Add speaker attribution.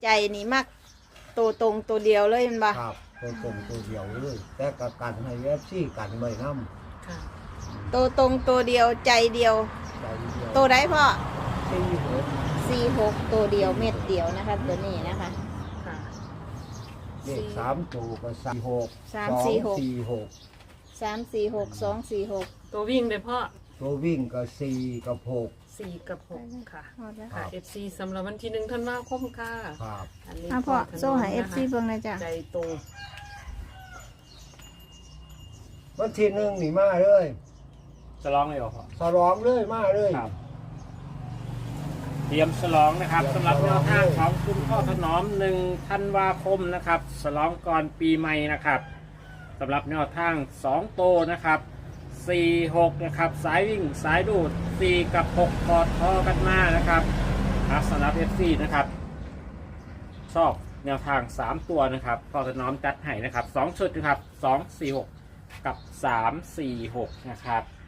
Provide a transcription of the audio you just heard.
Speaker 1: ใจนี่มักตัวตรงตัวเดียวเลยมันบ่
Speaker 2: ครับตัวตรงตัวเดียวเลยแต่กกันให้เอฟซีกันไว้น้
Speaker 3: ค่ะ
Speaker 1: ตัวตรงตัวเดียวใจเดียว
Speaker 2: ำใจเดียว
Speaker 1: ตัวใดพ่อ
Speaker 2: 46
Speaker 1: 46ตัวเดียวเม็ดเดียวนะคะตัวนี้นะคะ
Speaker 3: ค่ะ
Speaker 2: เลข3ตัวก็46
Speaker 1: 346 346 246
Speaker 3: ตัววิ่งเลยพ่อ
Speaker 2: ตัววิ่งก็4กับ6
Speaker 3: 4 กับ 6 ค่ะ
Speaker 1: หมดแล้ว
Speaker 2: ครั
Speaker 3: ค่ะ
Speaker 2: บ
Speaker 3: FC สำหรับวันที่1ธันวาคมค่ะ
Speaker 2: ครับ
Speaker 3: อันนี้
Speaker 1: พ่อ
Speaker 3: ถนน
Speaker 1: โซ่หา
Speaker 3: นะคะ
Speaker 1: FC เบิ่งเลยจ้ะ
Speaker 3: ใจตรง
Speaker 2: วันที่หนึ่งนี่มาเลย
Speaker 4: ฉลองเลยเหรอพ่อ
Speaker 2: สลองเลยมาเลย
Speaker 4: ครับ เตรียมฉลองนะครับสำหรับแนวทางของคุณพ่อถนอม1ธันวาคมนะครับฉลองก่อนปีใหม่นะครับสำหรับแนวทาง2โตนะครับ46นะครับสายวิ่งสายดูด4กับ6กอดคอกันมานะครับสำหรับ FC นะครับชอบแนวทาง3ตัวนะครับพ่อถนอมจัดให้นะครับ2ชุดนะครับ246กับ346นะครับ